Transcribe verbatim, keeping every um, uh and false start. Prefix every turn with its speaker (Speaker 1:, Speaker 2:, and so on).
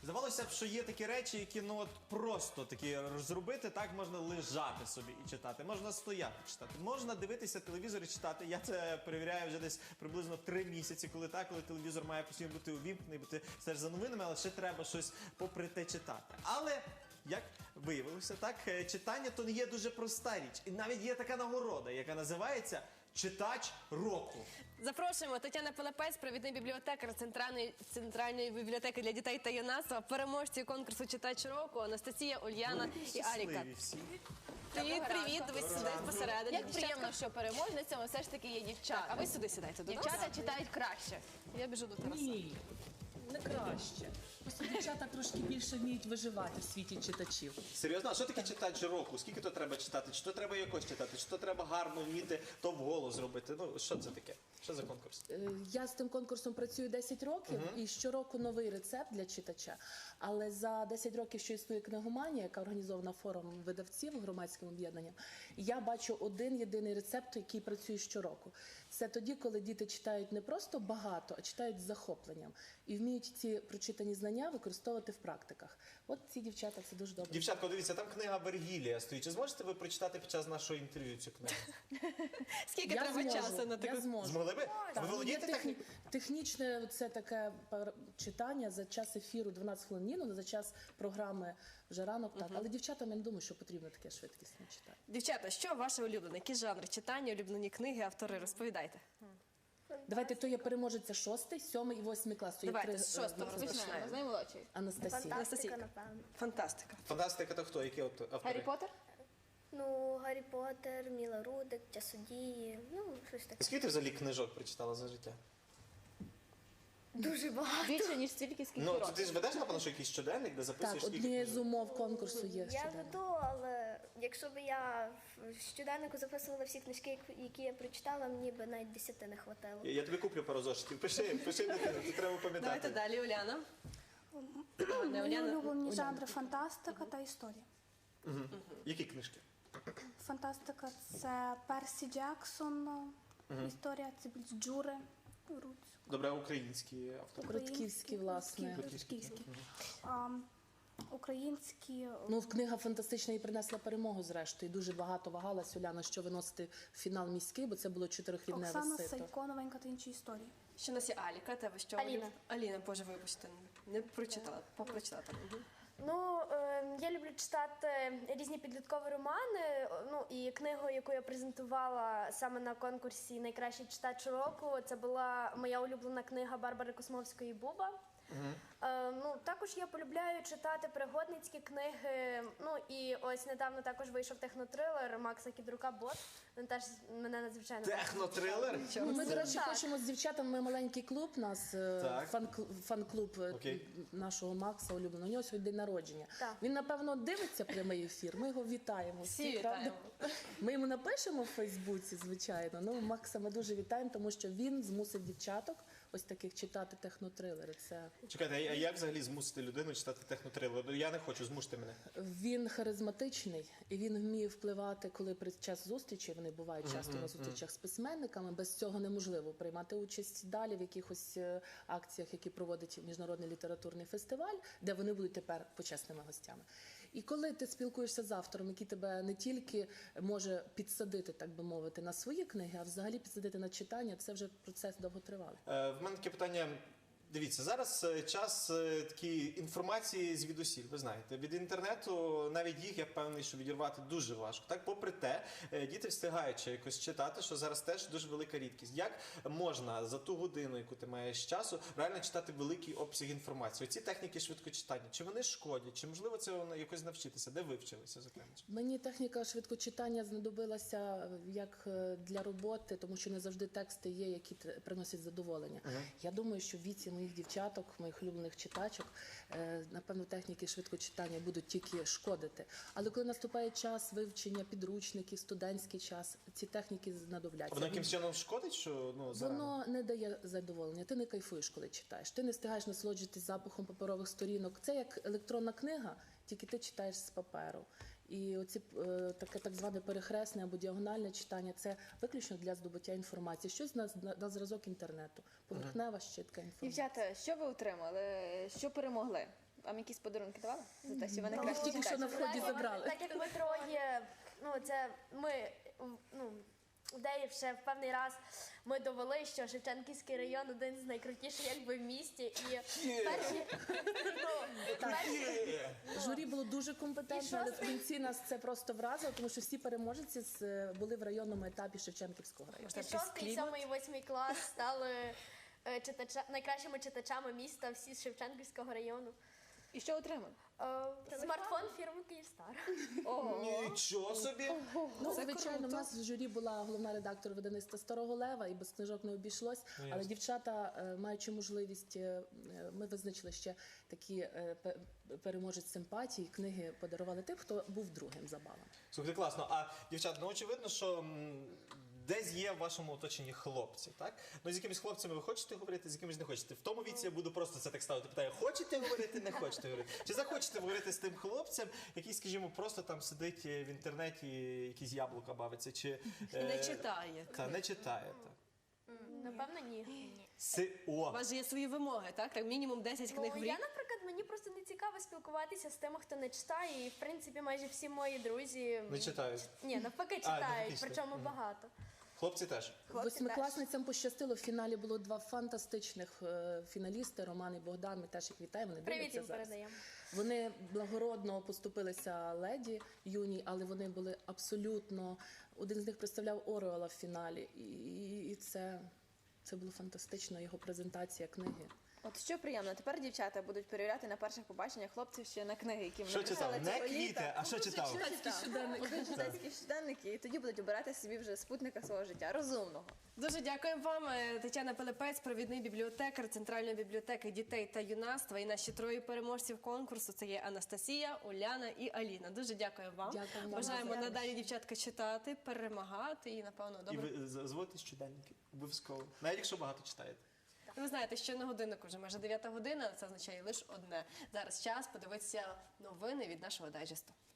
Speaker 1: Здавалося б, що є такі речі, які ну от просто такі зробити, так можна лежати собі і читати, можна стояти читати, можна дивитися телевізор і читати. Я це перевіряю вже десь приблизно три місяці, коли так, коли телевізор має постійно бути увімкнений, бо ти стежиш за новинами, але ще треба щось попри те читати. Але як виявилося, так, читання то не є дуже проста річ. І навіть є така нагорода, яка називається «Читач року».
Speaker 2: Запрошуємо Тетяна Пилипець, провідний бібліотекар Центральної, Центральної бібліотеки для дітей та юнацтва, переможці конкурсу «Читач року» Анастасія, Ульяна і Аліка.
Speaker 1: Всі.
Speaker 2: Привіт, привіт, ви сюди посередині.
Speaker 3: Як приємно, що переможницями все ж таки є дівчата.
Speaker 2: А ви сюди сідайте до нас.
Speaker 3: Дівчата читають краще.
Speaker 2: Я біжу до Тараса.
Speaker 4: Ні, не краще. Просто дівчата трошки більше вміють виживати в світі читачів.
Speaker 1: Серйозно? А що таке читач року? Скільки то треба читати? Чи то треба якось читати? Чи то треба гарно вміти, то вголос зробити? Ну, що це таке? Що за конкурс?
Speaker 4: Е, Я з тим конкурсом працюю десять років, і щороку новий рецепт для читача. Але за десять років, що існує книгоманія, яка організована форумом видавців громадським об'єднанням, я бачу один єдиний рецепт, який працює щороку. Це тоді, коли діти читають не просто багато, а читають з захопленням. І вміють ці прочитані знання використовувати в практиках. От ці дівчата це дуже добре.
Speaker 1: Дівчатко, дивіться, там книга Вергілія стоїть. Чи зможете ви прочитати під час нашого інтерв'ю цю книгу?
Speaker 2: Скільки
Speaker 4: Я
Speaker 2: треба
Speaker 4: зможу,
Speaker 2: часу на
Speaker 4: я
Speaker 2: таку?
Speaker 4: зможу.
Speaker 1: Змогли би?
Speaker 4: Так,
Speaker 1: Ви
Speaker 4: є
Speaker 1: володієте
Speaker 4: техні-
Speaker 1: технікою?
Speaker 4: Технічне це таке пар- читання за час ефіру дванадцять хвилин, ні, ну за час програми вже ранок, так. Але дівчатам я не думаю, що потрібно таке швидкісне читати.
Speaker 2: Дівчата, що ваше улюблене? Які жанри читання, улюблені книги, автори? Розповідайте.
Speaker 4: Давайте, то я переможеця шостий, сьомий і восьмий клас. То є
Speaker 2: Давайте,
Speaker 4: три,
Speaker 2: з
Speaker 4: е,
Speaker 2: шостого
Speaker 4: розпочинаємо.
Speaker 2: розпочинаємо.
Speaker 3: З наймолодшої.
Speaker 4: Анастасія.
Speaker 2: Анастасійка.
Speaker 5: напевно.
Speaker 2: Фантастика.
Speaker 1: Фантастика то хто? Які от автори?
Speaker 3: Гаррі Поттер?
Speaker 5: Ну, Гаррі Поттер, Міла Рудик, Часодії, ну, щось таке.
Speaker 1: Скільки ти взагалі книжок прочитала за життя?
Speaker 5: Дуже багато.
Speaker 3: Більше, ніж стільки, скільки
Speaker 1: Ну, то
Speaker 3: років.
Speaker 1: ти ж ведеш, напевно, що якийсь щоденник, де записуєш
Speaker 4: Так,
Speaker 1: скільки
Speaker 4: однією з
Speaker 1: книжок?
Speaker 4: умов конкурсу є
Speaker 5: Я
Speaker 4: щоденник.
Speaker 5: веду, але якщо б я в щоденнику записувала всі книжки, які я прочитала, мені б навіть десяти не хватило.
Speaker 1: Я, я тобі куплю пару зошитів. Пиши, пиши, дитину, це треба
Speaker 2: Давайте
Speaker 1: пам'ятати.
Speaker 2: далі, Уляна. Не,
Speaker 6: Мої
Speaker 2: Уляна.
Speaker 6: улюблені жанри фантастика та історія.
Speaker 1: Які книжки?
Speaker 6: Фантастика це Персі Джексон, історія це більш Джури, Руць.
Speaker 1: Добре, українські автори.
Speaker 4: Коротківський, власне.
Speaker 6: Коротківський. А, Українські.
Speaker 4: Ну, книга фантастична і принесла перемогу, зрештою. Дуже багато вагалась Уляна, що виносити в фінал міський, бо це було чотирихрідне
Speaker 6: Оксана
Speaker 4: сито.
Speaker 6: Сайко, новенька та інші історії.
Speaker 2: Що у нас є Аліка, тебе що?
Speaker 5: Аліна.
Speaker 2: Аліна, боже, вибачте, не прочитала, попрочитала. Мгм.
Speaker 7: Ну, е, я люблю читати різні підліткові романи. е, Ну і книгу, яку я презентувала саме на конкурсі «Найкращий читач року», це була моя улюблена книга Барбари Космовської «Буба». Е, ну, також я полюбляю читати пригодницькі книги. Ну і ось недавно також вийшов технотрилер Макса Кідрука «Бот». Він теж мене надзвичайно
Speaker 1: Технотрилер?
Speaker 4: Ну, ми, до речі,
Speaker 7: Так.
Speaker 4: хочемо з дівчатами, ми маленький клуб, у нас е,
Speaker 1: Так.
Speaker 4: фан- фан-клуб е,
Speaker 1: Окей.
Speaker 4: нашого Макса улюбленого. У нього сьогодні день народження.
Speaker 7: Так.
Speaker 4: Він, напевно, дивиться прямий ефір, ми його вітаємо.
Speaker 2: Всі
Speaker 4: правда?
Speaker 2: вітаємо.
Speaker 4: Ми йому напишемо в Фейсбуці, звичайно. Ну, Макса ми дуже вітаємо, тому що він змусив дівчаток ось таких читати технотрилери. Це
Speaker 1: Чекайте, а як взагалі змусити людину читати технотрилер? Я не хочу, змусити мене.
Speaker 4: Він харизматичний і він вміє впливати, коли при час зустрічі, вони бувають часто на зустрічах з письменниками, без цього неможливо приймати участь далі в якихось е, акціях, які проводить Міжнародний літературний фестиваль, де вони будуть тепер почесними гостями. І коли ти спілкуєшся з автором, який тебе не тільки може підсадити, так би мовити, на свої книги, а взагалі підсадити на читання, це вже процес довготривалий.
Speaker 1: Е, в мене таке питання. Дивіться, зараз е, час е, такої інформації звідусіль, ви знаєте. Від інтернету навіть їх, я впевнений, що відірвати дуже важко. Так, попри те, е, діти встигають ще якось читати, що зараз теж дуже велика рідкість. Як можна за ту годину, яку ти маєш часу, реально читати великий обсяг інформації? Оці техніки швидкочитання, чи вони шкодять, чи можливо це якось навчитися? Де ви вчилися, зокрема?
Speaker 4: Мені техніка швидкочитання знадобилася як е, для роботи, тому що не завжди тексти є, які тр- приносять задоволення. Я думаю, що в віці моїх дівчаток, моїх улюблених читачок, е, напевно, техніки швидкочитання будуть тільки шкодити. Але коли наступає час вивчення підручників, студентський час, ці техніки знадобляться.
Speaker 1: Воно якимсь чином шкодить, що ну, зарано?
Speaker 4: Воно не дає задоволення. Ти не кайфуєш, коли читаєш. Ти не встигаєш насолоджуватись запахом паперових сторінок. Це як електронна книга, тільки ти читаєш з паперу. І оці е, таке так зване перехресне або діагональне читання – це виключно для здобуття інформації. Щось на, на, на зразок інтернету. Поверхнева, щитка інформації.
Speaker 3: Дівчата, що ви отримали? Що перемогли? Вам якісь подарунки давали? За те, що ви
Speaker 4: Їх
Speaker 3: найкраще
Speaker 4: тільки що на
Speaker 3: читаєте?
Speaker 4: вході
Speaker 7: Так,
Speaker 4: забрали.
Speaker 7: Так як ми троє, ну це ми, ну, де ще в певний раз ми довели, що Шевченківський район один з найкрутіших якби в місті. І перші, ну, перші
Speaker 4: Журі було дуже компетентне, але в кінці нас це просто вразило, тому що всі переможці з- були в районному етапі Шевченківського району.
Speaker 7: і шостий, сьомий і восьмий клас стали е, читача, найкращими читачами міста, всі з Шевченківського району.
Speaker 3: І що отримали?
Speaker 7: Е, смартфон фірми Київстар.
Speaker 1: Нічого собі!
Speaker 4: Ну, звичайно, в нас в журі була головна редактор видавництва Старого Лева, і без книжок не обійшлось. Але
Speaker 1: ясно.
Speaker 4: дівчата, е, маючи можливість, е, ми визначили ще такі е, пе- переможець симпатії, книги подарували тим, хто був другим за балом.
Speaker 1: Слухайте, класно. А дівчата, ну очевидно, що м, десь є в вашому оточенні хлопці, так? Ну з якимись хлопцями ви хочете говорити, з якимись не хочете. В тому віці я буду просто це так ставити. Питаю, хочете говорити, не хочете говорити? Чи захочете говорити з тим хлопцем, який, скажімо, просто там сидить в інтернеті, якісь яблука бавиться, чи
Speaker 2: І не
Speaker 1: е,
Speaker 2: читає.
Speaker 1: Та не читає. Так.
Speaker 7: Напевно, ні.
Speaker 1: Си...
Speaker 2: У
Speaker 1: О,
Speaker 2: вас же є свої вимоги, так? Так, мінімум десять книг
Speaker 7: Ну,
Speaker 2: в
Speaker 7: я,
Speaker 2: рік.
Speaker 7: наприклад, мені просто не цікаво спілкуватися з тими, хто не читає. І, в принципі, майже всі мої друзі
Speaker 1: не читають.
Speaker 7: ні, навпаки,
Speaker 1: А,
Speaker 7: читають,
Speaker 1: навпаки
Speaker 7: причому
Speaker 1: читають. Мгм.
Speaker 7: багато.
Speaker 1: Хлопці теж.
Speaker 4: Восьмикласницям пощастило. В фіналі було два фантастичних е, фіналісти Роман і Богдан. Ми теж їх вітаємо. Вони
Speaker 7: Привіт
Speaker 4: дивляться
Speaker 7: їм
Speaker 4: зараз.
Speaker 7: передаємо.
Speaker 4: Вони благородно поступилися леді юній, але вони були абсолютно. Один з них представляв Орвелла в фіналі, і, і, і це, це було фантастично. Його презентація книги.
Speaker 3: От що приємно, тепер дівчата будуть перевіряти на перших побаченнях хлопців ще на книги, які вони
Speaker 1: Що читав?
Speaker 3: писали
Speaker 1: Не
Speaker 3: цього
Speaker 1: квіти,
Speaker 3: літа.
Speaker 1: а що читав?
Speaker 3: Будуть читацькі щоденники, і тоді будуть обирати собі вже спутника свого життя, розумного.
Speaker 2: Дуже дякуємо вам, е, Тетяна Пилипець, провідний бібліотекар Центральної бібліотеки дітей та юнацтва. І наші троє переможців конкурсу це є Анастасія, Уляна і Аліна. Дуже дякую вам.
Speaker 4: Дякую вам.
Speaker 2: Бажаємо
Speaker 4: Дякую.
Speaker 2: надалі дівчатка читати, перемагати і, напевно,
Speaker 1: І
Speaker 2: добре.
Speaker 1: ви з- зводите щоденники. Обов'язково. Навіть якщо багато читаєте.
Speaker 2: Ви знаєте, що на годиннику вже майже дев'ята година, це означає лише одне. Зараз час подивитися новини від нашого дайджесту.